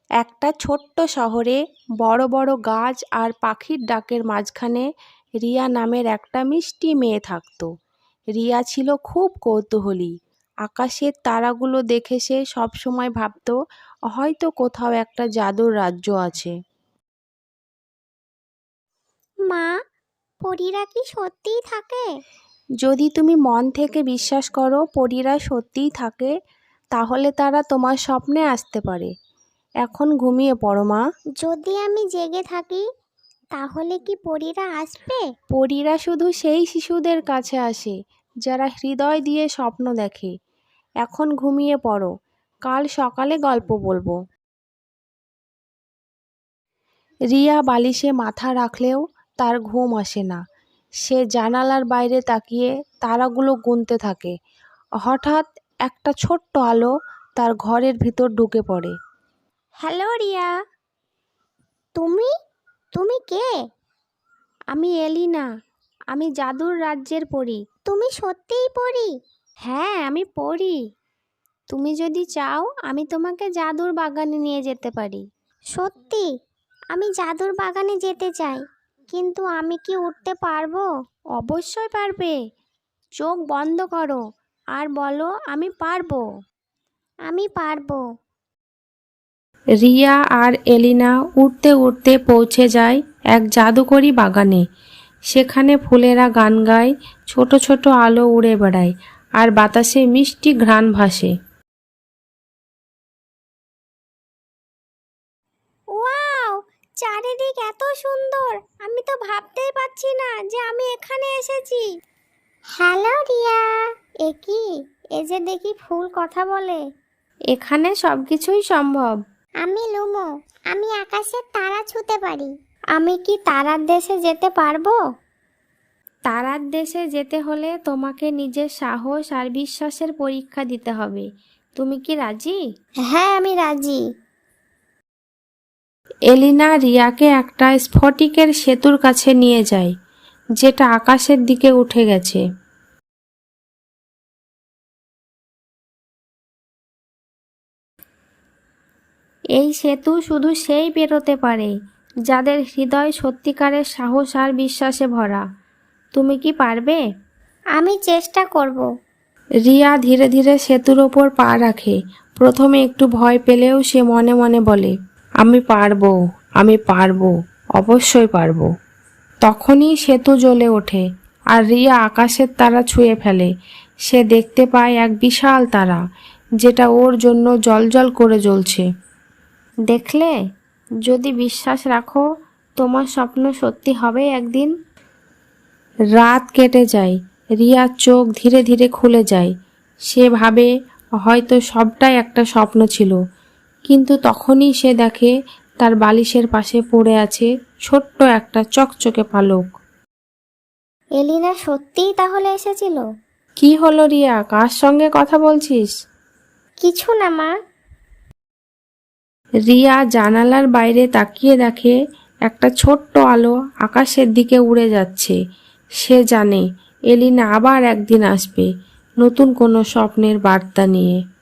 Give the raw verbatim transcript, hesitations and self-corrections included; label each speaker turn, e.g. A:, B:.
A: একটা ছোট্ট শহরে বড় বড় গাছ আর পাখির ডাকের মাঝখানে রিয়া নামের একটা মিষ্টি মেয়ে থাকতো। রিয়া ছিল খুব কৌতূহলী। আকাশের তারাগুলো দেখে সে সবসময় ভাবতো হয়তো কোথাও একটা জাদুর রাজ্য আছে।
B: মা, পরীরা কি সত্যিই থাকে?
A: যদি তুমি মন থেকে বিশ্বাস করো পরীরা সত্যিই থাকে, তাহলে তারা তোমার স্বপ্নে আসতে পারে। এখন ঘুমিয়ে পড়ো মা।
B: যদি আমি জেগে থাকি তাহলে কি পরীরা আসবে?
A: পরীরা শুধু সেই শিশুদের কাছে আসে যারা হৃদয় দিয়ে স্বপ্ন দেখে। এখন ঘুমিয়ে পড়ো, কাল সকালে গল্প বলবো। রিয়া বালিশে মাথা রাখলেও তার ঘুম আসে না। সে জানালার বাইরে তাকিয়ে তারাগুলো গুনতে থাকে। হঠাৎ একটা ছোট্ট আলো তার ঘরের ভিতর ঢুকে পড়ে।
B: হ্যালো রিয়া, তুমি তুমি কে?
A: আমি এলিনা, আমি জাদুর রাজ্যের পরী।
B: তুমি সত্যিই পরী?
A: হ্যাঁ, আমি পরী। তুমি যদি চাও আমি তোমাকে জাদুর বাগানে নিয়ে যেতে পারি।
B: সত্যি? আমি জাদুর বাগানে যেতে চাই, কিন্তু আমি কি উঠতে পারবো?
A: অবশ্যই পারবে। চোখ বন্ধ করো আর বলো আমি পারবো।
B: আমি পারবো।
A: রিয়া আর এলিনা উড়তে উড়তে পৌঁছে যায় এক জাদুকরি বাগানে। সেখানে ফুলেরা গান গায়, ছোট ছোট আলো উড়ে বেড়ায়, আর বাতাসে মিষ্টি ঘ্রাণ ভাসে।
B: ওয়াও, চারিদিক এত সুন্দর! আমি তো ভাবতেই পারছি না যে আমি এখানে এসেছি। হ্যালো রিয়া, এ কি? এ যে দেখি ফুল কথা বলে।
A: এখানে সবকিছুই সম্ভব।
B: আমি লুমো, আমি আকাশের তারা ছুঁতে পারি। আমি কি তারার দেশে যেতে পারবো?
A: তারার দেশে যেতে হলে তোমাকে নিজের সাহস আর বিশ্বাসের পরীক্ষা দিতে হবে। তুমি কি রাজি?
B: হ্যাঁ, আমি রাজি।
A: এলিনা রিয়াকে একটা স্ফটিকের সেতুর কাছে নিয়ে যায়, যেটা আকাশের দিকে উঠে গেছে। এই সেতু শুধু সেই পেরোতে পারে যাদের হৃদয় সত্যিকারের সাহস আর বিশ্বাসে ভরা। তুমি কি পারবে?
B: আমি চেষ্টা করব।
A: রিয়া ধীরে ধীরে সেতুর ওপর পা রাখে। প্রথমে একটু ভয় পেলেও সে মনে মনে বলে, আমি পারবো, আমি পারবো, অবশ্যই পারবো। তখনই সেতু জ্বলে ওঠে আর রিয়া আকাশের তারা ছুঁয়ে ফেলে। সে দেখতে পায় এক বিশাল তারা, যেটা ওর জন্য জ্বলজ্বল করে জ্বলছে। দেখলে, যদি বিশ্বাস রাখো তোমার স্বপ্ন সত্যি হবে একদিন। রাত কেটে যায়, রিয়ার চোখ ধীরে ধীরে খুলে যায়। সে ভাবে হয়তো সবটাই একটা স্বপ্ন ছিল, কিন্তু তখনই সে দেখে তার বালিশের পাশে পড়ে আছে ছোট্ট একটা চকচকে পালক।
B: এলিনা সত্যিই তাহলে এসেছিল?
A: কি হলো রিয়া, কার সঙ্গে কথা বলছিস?
B: কিছু না মা।
A: রিয়া জানালার বাইরে তাকিয়ে দেখে একটা ছোট্ট আলো আকাশের দিকে উড়ে যাচ্ছে। সে জানে এলিনা আবার একদিন আসবে, নতুন কোনো স্বপ্নের বার্তা নিয়ে।